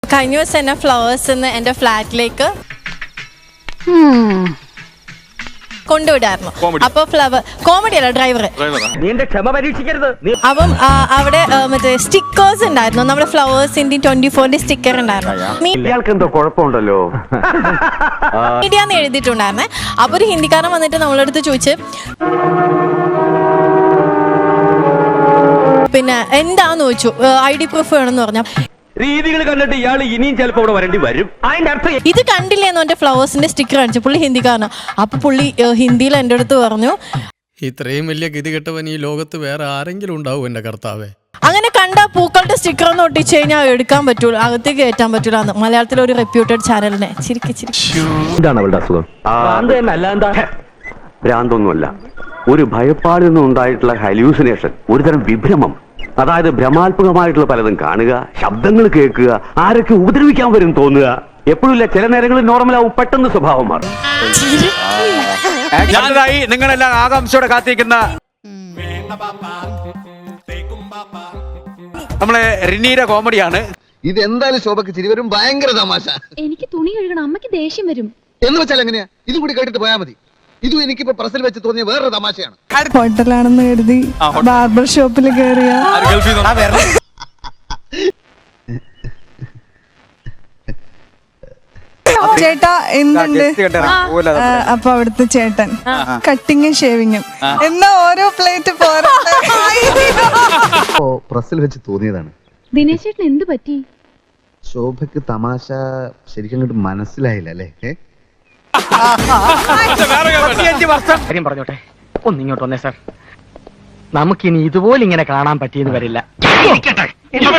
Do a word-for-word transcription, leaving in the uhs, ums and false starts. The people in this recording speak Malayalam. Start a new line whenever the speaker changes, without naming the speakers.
കഴിഞ്ഞ ദിവസം എന്നെ ഫ്ലവേഴ്സ് എന്റെ ഫ്ലാറ്റിലേക്ക് കൊണ്ടുവിടായിരുന്നു. അപ്പൊ ഫ്ലവർ കോമഡി അല്ല, ഡ്രൈവർ. അപ്പം അവിടെ മറ്റേ സ്റ്റിക്കേഴ്സ് ഉണ്ടായിരുന്നു, നമ്മുടെ ഫ്ലവേഴ്സിന്റെ ട്വന്റി ഫോറിന്റെ സ്റ്റിക്കർ ഉണ്ടായിരുന്നു. മീഡിയ എന്ന് എഴുതിയിട്ടുണ്ടായിരുന്നേ. അപ്പൊ ഒരു ഹിന്ദിക്കാരൻ വന്നിട്ട് നമ്മളടുത്ത് ചോദിച്ച്, പിന്നെ എന്താന്ന് ചോദിച്ചു, ഐ ഡി പ്രൂഫ് വേണമെന്ന് പറഞ്ഞു.
രീതികൾ കണ്ടിട്ട് ഇയാൾ ഇനിയും ചിലപ്പോൾ ഇവിടെ വരേണ്ടി വരും. അതിന്റെ അർത്ഥം
ഇത് കണ്ടില്ലേന്ന് എന്റെ ഫ്ലവേഴ്സിന്റെ സ്റ്റിക്കർ കാണിച്ചു. പുള്ളി ഹിന്ദിക്കാരനാ. അപ്പൊ പുള്ളി ഹിന്ദിയിൽ എന്റെ അടുത്ത് പറഞ്ഞു,
ഇത്രയും വലിയ ഗതികെട്ടവൻ ഈ ലോകത്ത് വേറെ ആരെങ്കിലും ഉണ്ടാവും എന്റെ കർത്താവേ.
അങ്ങനെ കണ്ട പൂക്കളുടെ സ്റ്റിക്കർ ഒന്ന് ഒട്ടിച്ചു കഴിഞ്ഞാൽ എടുക്കാൻ പറ്റൂല, അകത്തേക്ക് കയറ്റാൻ പറ്റൂല. മലയാളത്തിലെ ഒരു റെപ്യൂട്ടഡ് ചാനലിനെ ചിരിക്കി ചിരിക്കി.
എന്താണ് അവളുടെ അസുഖം? ഭ്രാന്തൊന്നുമല്ല, ഒരു ഭയപ്പാടിൽ നിന്നും ഉണ്ടായിട്ടുള്ള ഹലൂസിനേഷൻ, ഒരുതരം വിഭ്രമം. അതായത് ഭ്രമാത്മകമായിട്ടുള്ള പലതും കാണുക, ശബ്ദങ്ങൾ കേൾക്കുക, ആരൊക്കെ ഉപദ്രവിക്കാൻ വരും തോന്നുക. എപ്പോഴുമില്ല, ചില നേരങ്ങളിൽ നോർമലാവും, പെട്ടെന്ന് സ്വഭാവം മാറും.
ഞാനിതായി നിങ്ങളെല്ലാം ആകാംക്ഷയോടെ കാത്തിരിക്കുന്ന നമ്മളെ റിനീയുടെ കോമഡിയാണ്.
ഇതെന്തായാലും ശോഭക്ക് ചിരി വരും, ഭയങ്കര തമാശ.
എനിക്ക് തുണി കഴുകണം, അമ്മയ്ക്ക് ദേഷ്യം വരും.
എന്ന് വെച്ചാൽ എങ്ങനെയാ? ഇതും കൂടി കേട്ടിട്ട് പോയാൽ മതി. ഇതും എനിക്കിപ്പോ പ്രസിൽ വെച്ച് തോന്നിയ വേറൊരു തമാശയാണ്.
ഹോട്ടലാണെന്ന് കരുതി ബാർബർ ഷോപ്പിൽ കയറിയ ചേട്ടാ എന്തുണ്ട്? അപ്പൊ അവിടുത്തെ ചേട്ടൻ കട്ടിങ്ങും ഷേവിങ്ങും എന്നാ ഓരോ പ്ലേറ്റ് പോരാ
പ്രസിൽ വെച്ച് തോന്നിയതാണ്.
ദിനേശ് ചേട്ടൻ എന്ത് പറ്റി?
ശോഭക്ക് തമാശ ശരിക്കും അങ്ങോട്ട് മനസ്സിലായില്ല അല്ലേ?
കാര്യം പറഞ്ഞോട്ടെ, ഒന്നിങ്ങോട്ട് വന്നേ സാർ. നമുക്കിനി ഇതുപോലെ ഇങ്ങനെ കാണാൻ പറ്റിയെന്ന് വരില്ല.